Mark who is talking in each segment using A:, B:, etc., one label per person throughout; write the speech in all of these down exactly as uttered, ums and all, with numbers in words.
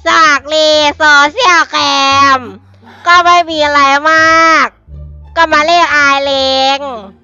A: จากรีโซเชียลแคมก็ไม่มีอะไรมาก ก็มาเรียกอายเลง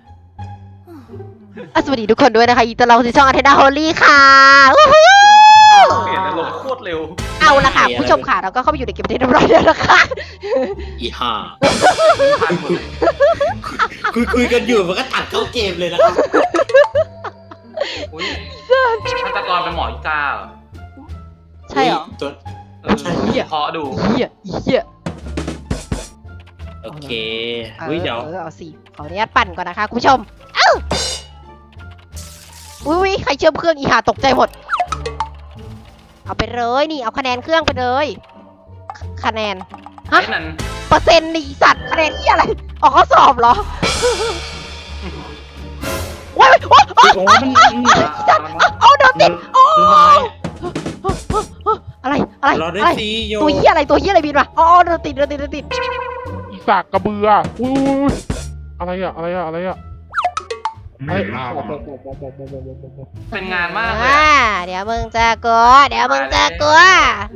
A: สวัสดีทุกคนด้วยนะคะยินดีต้อนรับสู่ช่องอาเทนาโฮลี่ค่ะ
B: เปลี่ยนอารมณ์โคตรเร็ว
A: เอาละค่ะผู้ชมค่ะเราก็เข้าไปอยู่ในเกมประเทศเรียบร้อยแล้วนะคะ
C: อีห่าคุยคุยกันอยู่มันก็ตัดเข้าเกมเลยนะครับ
B: ฆาตกรเป็นหมออีกาเหรอ
A: ใช่เหรอ
C: ใช่
B: เพาะดู
A: เหี้ยเหี้ย
C: โอเคอุ้ยเดี๋ยว
A: เอาสิขออนุญาตปั่นก่อนนะคะคุณผู้ชมเอ้าอุ้ยใครเชื่อมเครื่องอีห่าตกใจหมดเอาไปเลยนี่เอาคะแนนเครื่องไปเลยคะแนนฮะเปอร์เซ็นต์นี่สัตว์คะแนนที่อะไรออกข้อสอบเหรอว้ายว้ายสัตว์เอาโดนติดโอ้อะไรอะไรอะไรตัวเหี้ยอะไรตัวเหี้ยอะไรบินมาอ๋อโดนติดโดนติดโดนติด
D: อีสากกระเบืออุ้ยอะไรอะอะไรอะอะไรอะ
B: เป็นงานมาก
A: เลยเดี๋ยวมึงจะกลัวเดี๋ยวมึงจะกลัว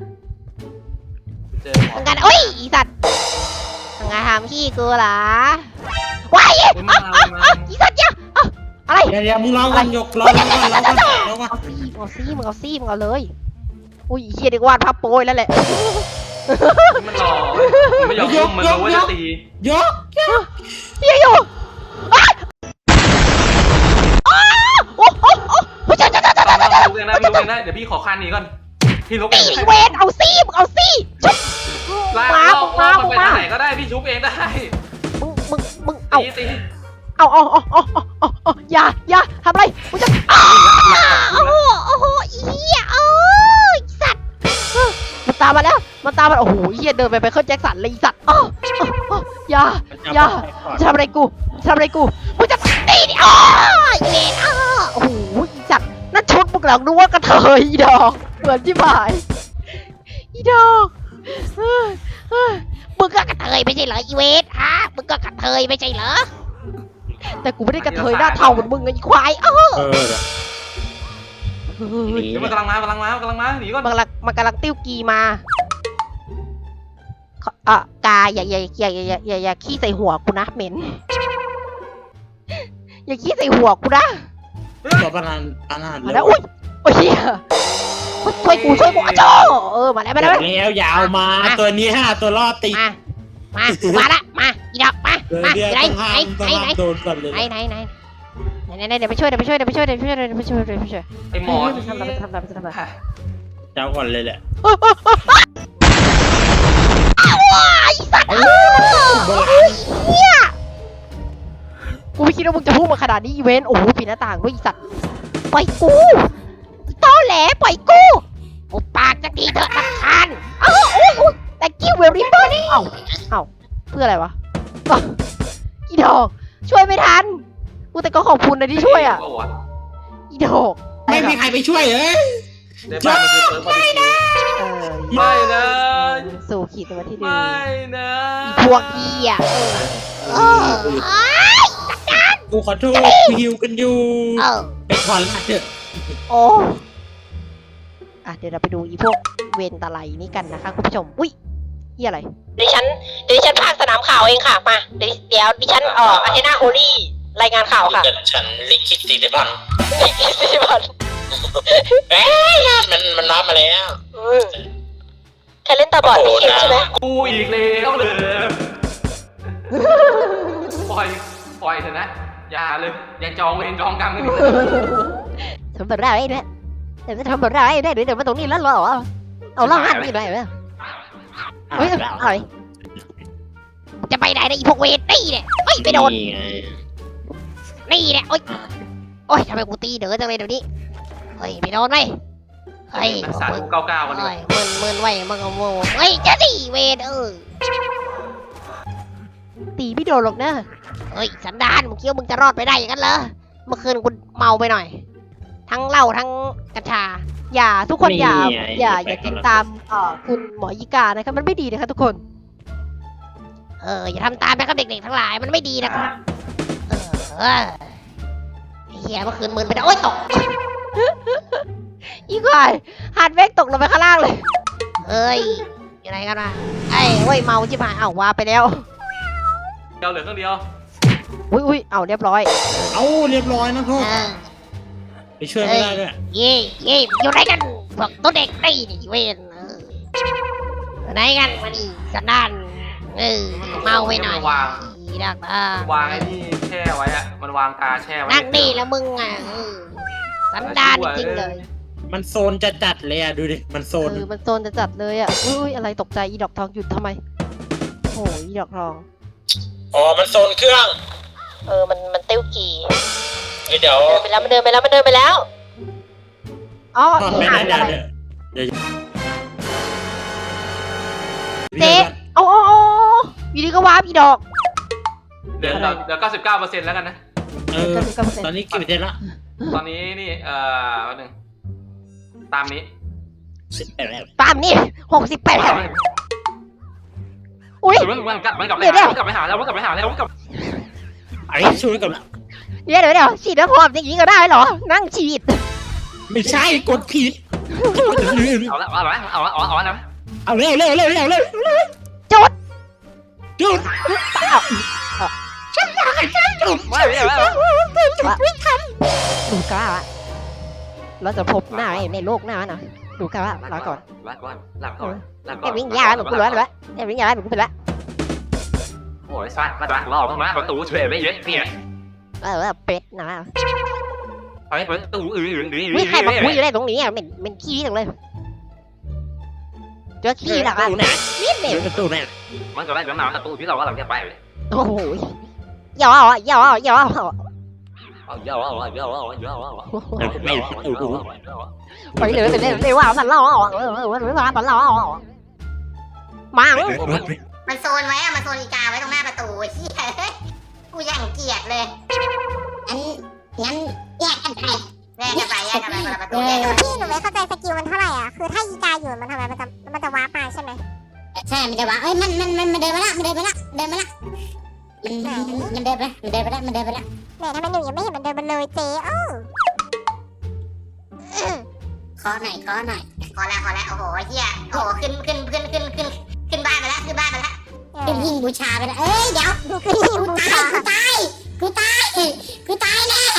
A: มึงกันอุ้ยอีสัตว์มึงจะทำขี้กูเหรอว้ายอีสัตว์เนี่ยอะไร
C: เดี๋ยวมึงร้องกันยกร้องกันร้องกันร้องกัน
A: เอาซี่มึงเอาซี่มึงเอาเลยอุ้ยเฮียเด็กวาดภาพโปยแล้วแหละ
B: มันรอไม่ยอมยกมันรู้ว่าจะตี
C: ยก
A: เฮียอยู่โอ้โหโอ้จ้าจ้าจ้าจ้าจ้าจ้า
B: ลุกเองนะลุกเองนะเดี๋ยวพี่ขอคันนี้ก่อนพี่ลุกเอง
A: เวนเอาซี่มึงเอาซี่ชุบ
B: มามาไปทางไหนก็ได้พี่ชุบเองได้
A: มึงมึงมึงเอาเอาเอาเอาเอาเอาเอาอย่าอย่าทำอะไรมึงจะโอ้โหโอ้โหเฮียโอ้ยสัตว์มันตามมาแล้วมันตามมาโอ้โหเฮียเดินไปไปเข้าแจ็คสันเลยสัตว์อ๋ออย่าอย่าทำอะไรกูทำอะไรกูมึงจะตีดิอ๋อเวนอ๋อโอ้โหสัตว์นั่นชุดพวกเราดูว่ากระเทยอีดอกเหมือนที่หมายอีดอกมึงก็กระเทยไม่ใช่เหรออีเวทฮะมึงก็กระเทยไม่ใช่เหรอแต่กูไม่ได้กระเทยหน้าเท่าเหมือนมึงไอ้ควายเออ
B: มันกำลังมากำลังมากำลังมาหนีก่อน
A: มันกำลังมันกำลังติ้วกีมาอ่ะกาอย่าอย่าอย่าอย่าอย่าอย่าขี้ใส่หัวกูนะเหม็นอย่าขี้ใส่หัวกูนะ
C: ตัวปานานปานาน
A: แล้วอุ้ยโอ้ยช่วยกูช่วยกูอ่ะโจเออมาแล้วมาแล้ว
C: แล้วยาวมาตัวนี้ห้าตัวรอดตี
A: มามามาละมาอีดอกมามาไหนไหนไหนไหนไหนไหนไหนไหนไหนเดี๋ยวไปช่วยเดี๋ยวไปช่วยเดี๋ยวไปช่วยเดี๋ยวไปช่วยเดี๋ยวไปช่วยเดี๋ยวไปช่วย
B: ไอหมอ
A: ทำอะไรทำอะไรทำอะไร
C: เจ้าก่อนเลยแหละ
A: ว้ายสัตว์เฮียกูไม่คิดว่ามึงจะพูดมาขนาดนี้อีเวนต์โอ้โหปีหน้าต่างด้วยอีสัตว์ปล่อยกูตอแหลปล่อยกูโอ้ปากจะดีเถอะนักขันอ้าวโอ้โหแต่กิ้วเวริเบอร์นี่เอ้าเอ้าเพื่ออะไรวะอีดอกช่วยไม่ทันกูแต่ก็ขอบคุณนะที่ช่วยอ่ะอีดอก
C: ไม่มีใครไปช่วยเลย
B: ไม่นะไม่นะ
A: สู่ขีดตัวที่ดี
B: ไม่นะ
A: อีพวกพี่อ่ะเออ
C: กูขอโทษกูหิวกันอยู่ไปขอลาเถอะ
A: โอ้อ่ะเดี๋ยวเราไปดูอีพวกเวนตะไลนี่กันนะคะคุณผู้ชมอุ้ยนี่อะไรดิฉันดิฉันภาคสนามข่าวเองค่ะมาเดี๋ยวดิฉันเอ่ออาเทนาโฮลี่รายงานข่าวค่ะ
C: ฉันลิขิตสีดิบัน
A: ลิขิตสีดิบัน
C: เอ๊ะมันมันรับมาแล้ว
A: ใครเล่นตาบอดพี่เคนใช่ไหม
B: กูอีกแล้วเลยปล่อยปล่อยเถอะนะอย่าเลยอย่าจองเวรจองกรรมกันดิ
A: ทำแบบไรเนี่ยเดี๋ยวจะทำแบบไรได้เดี๋ยวมาตรงนี้แล้วเหรอเอาล่างหันนี่ได้ไหมเฮ้ยอะไรจะไปไหนนะอีพวกเวทนี่เนี่ยเฮ้ยไปโดนนี่เนี่ยโอ้ยโอ้ยทำไมกูตีเด้อจังเลยเดี๋ยวนี้เฮ้ยไปโดนไหมเฮ้ย
B: สามเก้าเก้ากัน
A: เลยมึนมึนไว้มึงเอาโม่เฮ้ยจะตีเวทเออตีไม่โดนหรอกนะเฮ้ยสันดานมึงคิดว่ามึงจะรอดไปได้อย่างนั้นเหรอเมื่อคืนกูเมาไปหน่อยทั้งเหล้าทั้งกัญชาอย่าทุกคนอย่าอย่าอย่าติดตามเอ่อคุณหมอยิกานะครับมันไม่ดีนะครับทุกคนเอออย่าทำตามนะครับเด็กๆทั้งหลายมันไม่ดีนะครับเออเฮียเมื่อคืนมึนไปนะโอ๊ยตกอีกหน่อยฮาร์ดเวกตกลงไปข้างล่างเลยเอ้ยอยู่ไหนกันวะไอ้เว้ยเมาชิบหายเอ้าว่าไปแล้ว
B: เดียวเหลือเครื่องเดียว
A: อุ้ยอุ้ยเอ้าเรียบร้อย
C: เอาเรียบร้อยนะโทษ
A: เออ
C: ไปช่วยไม่ได้ด้วย
A: เย่เย่อยู่ไหนกันพวกตัวเด็กนี่นี่เวนเอออยู่ไหนกันมาดิกันด้านเออเมาไปหน่อย
B: วาง
A: อีดักอ่ะ
B: วางไอ้นี่แช่ไว้อะมันวางกาแช่ไว้
A: นั่งนี่แล้วมึงอ่ะเออกันด้านจริงเลย
C: มันโซนจะจัดเลยอ่ะดูดิมันโซ
A: เอน อมันโซนจะจัดเลยอ่ะอุ้ยอะไรตกใจอีดอกทองหยุดทำไมโอ้ยอีดอกทอง
C: อ๋อมันโซนเครื่อง
A: เออมันมันเต้วกี่
C: เอ้ยเดี๋ยว
A: เดินไปแล้วมันเดินไปแล้วมันเดินไปแล้วอ๋อ
C: ทอด
A: อี
C: ไม่
A: หา
C: ได้
A: น
C: เดี๋ยว
A: อะไร
C: เดี๋ยวเดี๋ยว
A: เจ๊เอาเอาเอาอยู่ดีก็วาร์ปอีดอก
B: เดี๋ยวเดี๋ยวเก้าสิบเก้าเปอร์เซ็นต์แล้วกันนะ
C: เออตอนนี้กี่เปอร์เซ็นต์ละ
B: ตอนนี้นี่เอ่อวันหนึ่งตามนี้
C: สิบแปดแล้ว
A: ตามนี่หกสิบแปดอุ้ย
B: มันมันกลับมันกลับไป
A: เดี๋ยวเดี๋ยว
B: หามันกลับไปหาแล้วมันกลับไปหาแล้วมันกลับ
C: ไอ้ช่วยกันละ
A: เดี๋ยวเดี๋ยวเดี๋ยวฉีดน้ำหอมอย่างนี้ก็ได้เหรอ นั่งฉีด
C: ไม่ใช่กดผิด
B: เอาละเอาละเอาละเอาละเอาละ
C: เอาเร็วเร็วเร็วเร็วเร็ว
A: จุด
C: จุด
B: ไม่ไม่ไม่
A: ดูกล้าละเราจะพบหน้าในโลกหน้านะดูกล้าละลาก่อน
B: ลาก่อนลาก่อนลาก่
A: แอ
B: อน
A: บวิ่งยาหนูกูรู้แล้วแอบวิ่งยาหนูกูไปแล้ว
B: โอ้ยสวัสดีรอต้องมาประตูช่วยไม่เยอะพี่
A: เออเป็ดนะ
B: ไปประตูอื่นอื่นอื่น
A: วิ่งใครมาคุยอยู่ได้ตรงนี้อ่ะเป็นเป็นขี้จังเลยเจอขี้หรอ
C: ประตูไหน
A: นิดเดียว
C: ประตูไหน
B: มันก็ได้แบบนั้นประตูที่เราว่าเราจะไปเลย
A: โอ้โหย่อย่อย่อ
B: เยอะเยอะเยอะเยอะ
A: ไปเลยไปเลยไปว่าสันล้อเออเออไปว่าสันล้อมา
E: มันโซนไว้อะมันโซนอีกาไว้ตรงหน้าประตูเฮียกูยังเกลียดเลยอันงั้นแยกกันไปแยกกันไปแยกกันไปคนละประตูแยกกันไป
F: พี่หนูไม่เข้าใจสกิลมันเท่าไหร่อ่ะ คือถ้าอีกาอยู่มันทำไมมันจะมันจะว้าร์ปมาใช่ไหม
E: ใช่มันจะว่าเอ้ยมันมันมันมันเดินมาละมันเดินมาละเดินมาละมันมันเดินไปละมันเดินไปละมันเดินไปละ
F: แหมทำไมหนูยังไม่เห็นมันเดินมาเลยเจ๊เอ้า
E: ขอหน่อยขอหน่อยขอแล้วขอแล้วโอ้โหเฮียโอ้โหขึ้นขึ้นขึ้นขึ้นขึ้นขึ้นบ้านไปละขึ้นบ้านไปละขึ้นหิ้งบูชาไปละเอ้ยเดี๋ยว
F: ดูคือหิว
E: กู
F: บู
E: ตา
F: ชาย
E: กูตายกูตายกูตายแน่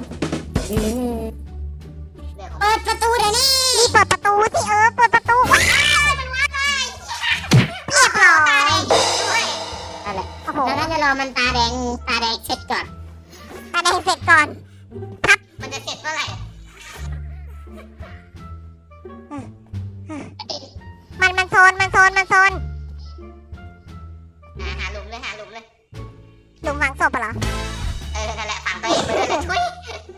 E: เปิดประตูเดี๋ยวนี้
F: รีบเปิดประตูสิเออเปิดประตูว้าว
E: มันว่าไง
F: เรียบร้อย
E: ด้วยนั่นแหละ
F: โอ้โห
E: แล้วน่าจะรอมันตาแดงตาแดงเสร็จก่อน
F: ตาแดงเสร็จก่อน
E: มันจะเสร็จเมื่อไหร่
F: มันมันโซนมันโซนมันโซน
E: หาหาหลุมเลยหาหลุมเลย
F: หลุมฝังศพเหรอ
E: เออนั่นแหละฝังตัวเองไปเลยเลยทุย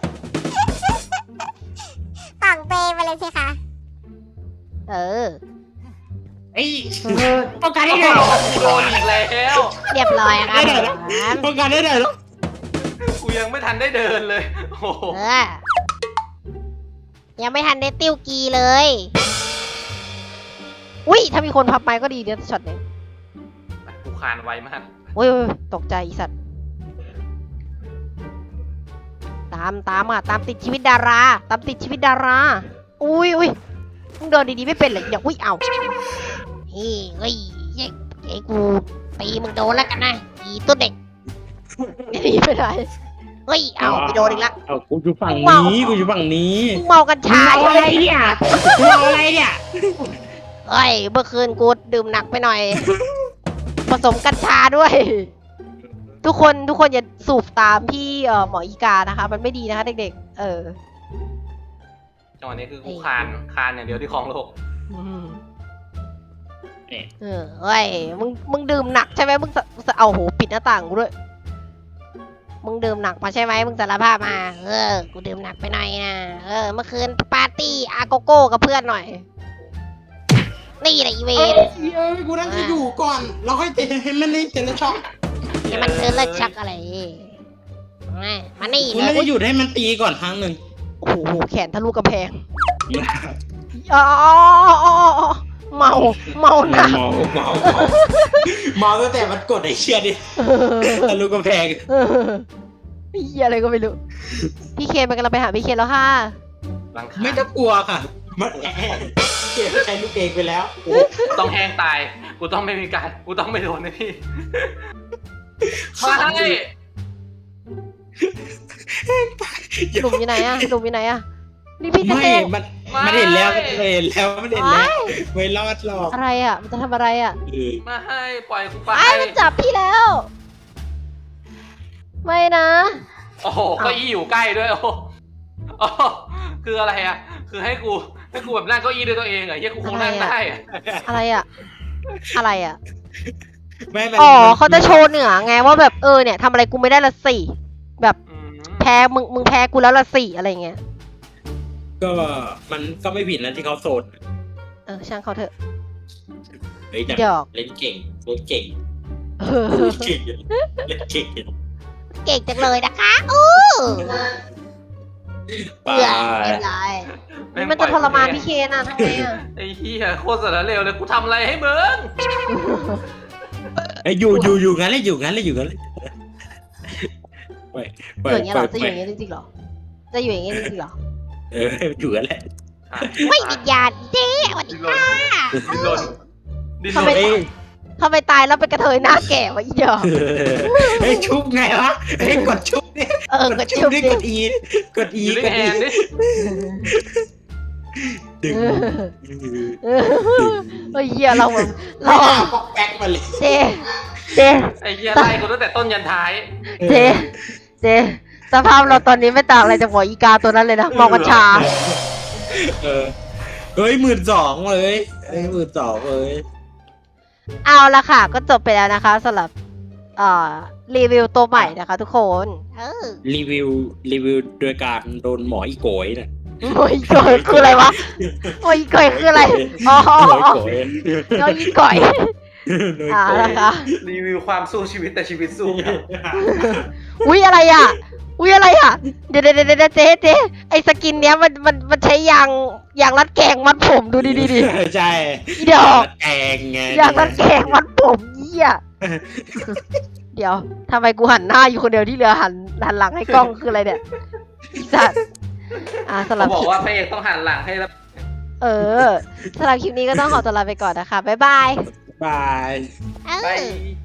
F: ฝังเปไปเลยสิคะ
A: เออ
C: ไอ้ป้องกันได้ไง
B: โดนอีกแล้ว
A: เรียบร้อยครับ
C: ป้องกันได้ไงลูก
B: กูยังไม่ทันได้เดินเลยโอ้โห
A: เออยังไม่ทันได้ติ้วกีเลย อุ้ยถ้ามีคนพับไม้ก็ดีเดี๋ยวช็อตนี้
B: กูคานไวมาก
A: อุ้ยตกใจอีสัตว์ตามตามอ่ะตามติดชีวิตดารา ตามติดชีวิตดารา อุ้ยอุ้ยมึงเดินดีๆไม่เป็นเลยอย่าอุ้ยเอาเฮ้ยเฮ้ยไอ้กูตีมึงโดนแล้วกันนะอีตัวเด็กหนีไม่ได้เฮ้ยเอาไปโดนอีกละ
C: เอากูอยู่ฝั่งนี้กูอยู่ฝั่งนี้
A: มึงเมากัญชา
C: เอาอะไรเนี่ยกูเอาอะไรเนี่ย
A: เฮ้ยเมื่อคืนกูดื่มหนักไปหน่อย ผสมกัญชาด้วย ทุกคนทุกคนอย่าสูบตามพี่เอ่อหมออีกานะคะ มันไม่ดีนะคะเด็กๆ เออ
B: จังหวะนี้คือกูคานคานอย่างเดียวที่คลองโลก
A: เออเฮ้ยมึงมึงดื่มหนักใช่ไหมมึงสะเอาโหปิดหน้าต่างกูด้วย มึงดื่มหนักมาใช่ไหมมึงสารภาพมา เออ กูดื่มหนักไปหน่อยนะ เออ เมื่อคืนปาร์ตี้อาโกโก้กับเพื่อนหน่อย นี่แหละอีเว
C: เอ้ย
A: น
C: เอ้ยกูนั่งจะอยู่ก่อนเราค่อยเตะให้มันได้เจนช็อก
A: นี่มันคือเลิกชักอะไรมามานี่
C: กู
A: เล
C: น่าจะ
A: ย
C: หยุดให้มันตีก่อนครั้งหนึ่ง
A: โอ้โหแขนทะลุกระแพงอ๋อเมาเมาหนัก
C: เมาเมาเมาเมาตั้งแต่มันกดไอ้เชี่ยดิทะลุกำแพง
A: เฮียอะไรก็ไม่รู้ พี่เคนไปกันเราไปหาพี่เคนแล้วค่ะ
B: หลังคา
C: ไม่ต้องกลัวค่ะ มันเก็บใช้ลูกเองไปแล้ว
B: กูต้องแห้งตาย กูต้องไม่มีการ กูต้องไม่โดนนะพี่ มาให้
A: หลุมอยู่ไหนอะหลุมอยู่ไหนอะนี่พี่จะ
C: ไม่
A: เอง
C: มันมันเห็นแล้วมันเห็นแล้วมันเห็นแล้วไม่รอดหรอก
A: อะไรอะมันจะทำอะไรอะ
C: เออ
B: มาให้ ปล่อยกูไป
A: ไอ้มันจับพี่แล้ว ไม่นะ
B: โอ้โหเก็อี้อยู่ใกล้ด้วย โอ้โหโอ้โหคืออะไรอ่ะ คือให้กู ให้กูแบบนั่งเก้าอี้ด้วยตัวเองเหรอเฮียกูคงนั่งได้อะ
A: อะไรอะอะไรอะ
C: ไม่มัน
A: อ๋อ
C: มัน
A: เขาจะโชว์เหนือไงว่าแบบเออเนี่ยทำอะไรกูไม่ได้ละสี่แบบ
B: อืม
A: แพ้มึงมึงแพ้กูแล้วละสี่อะไรเงี้ย
C: ก็มันก็ไม่ผิดนะที่เขาโสด
A: เออช่างเขาเถอะ
C: เฮ้ยแต่
A: หยอก
C: เล่นเก่งเล่นเก่ง
A: เออ
C: เล่นเก่งเล่นเก่ง
F: เก่งจังเลยนะคะอู้
C: ไป
F: เบื่อเรียบร้อย
A: นี่มันจะทรมานพี่เคนอะทำไงอะ
B: ไอ้เฮียโคตรสารเลวเลยกูทำอะไรให้มึง
C: ไอ้ยอยู่อยู่อยู่งั้นเลยอยู่งั้นเลยอยู่งั้นเลยไปไป
A: อยู่อย่างเงี้ยเหรอจะ
C: ไป
A: อยู่อย่างเงี้ยจริงๆเหรอจะอยู่อย่างเงี้ยจริงๆเหรอ
C: เอออยู่งั้นแหละ
F: ไม่วิญญาณเจ๊สวัสดี
B: ดิ้นรนดิ้นรนดิ้นร
A: ทำไม
B: น
C: เอ้ย
A: ทำไมตายแล้วเป็นกระเทยหน้าแก่วะอีเดียว
C: เฮ้ยชุบไงวะเฮ้ยกดชุบนี่
A: เออกระชุบ
C: ดิ
A: ดิ
C: กดอีกดอี
B: อยู่ใน
C: กด
B: แฮ
C: อี
B: นด์ดิ
C: ดึง
A: เออเฮ้ยเหี้ยเราแบบเรา
C: เราปอกแป๊กมาเลย
A: เจเจ
B: ไอ้เฮียไล่กูตั้งแต่ต้นยันท้าย
A: เจเจสภาพเราตอนนี้ไม่ต่างอะไรจากหัวอีกาตัวนั้นเลยนะมองกัญชา
C: เออเฮ้ยหมื่นสองเลยเฮ้ยหมื่นสองเลย
A: เอาละค่ะ ก็จบไปแล้วนะคะสำหรับเอ่อรีวิวตัวใหม่นะคะทุกคน
F: เออ
C: รีวิวรีวิวโดยการโดนหมออีโกยน่ะ
A: โอ้ยก่อยคืออะไรวะโอ้ยก่อยคืออะไรอ๋อ
C: หมออีโกย
A: น้อยก่อย
C: โดย
A: อ่า
C: โกย
A: นะคะ
B: รีวิวความสู้ชีวิตแต่ชีวิตสู้ครับ
A: อุ้ยอะไรอ่ะ อุ้ยอะไรอ่ะ เดี๋ยวเดี๋ยวเดี๋ยวเจ๊เจ๊ไอสกินเนี้ยมันมันมันใช้ยางยางรัดแกงมัดผมดูดิดิดิ
C: ใช่
A: อีเดี๋ยว
C: แกงไง
A: ยางรัดแกงมัดผมเยี่ยเดี๋ยวทำไมกูหันหน้าอยู่คนเดียวที่เหลือหันหันหลังให้กล้องคืออะไรเนี่ยอีสัตว์อ่าสำหรั
B: เขา
A: บ
B: บอกว่าพระเอกต้องหันหลังให้แล้ว
A: เออสำหรับคลิปนี้ก็ต้องขอตัวลาไปก่อนนะคะบ๊ายบาย
C: บาย
F: เอ
B: ไป
F: อ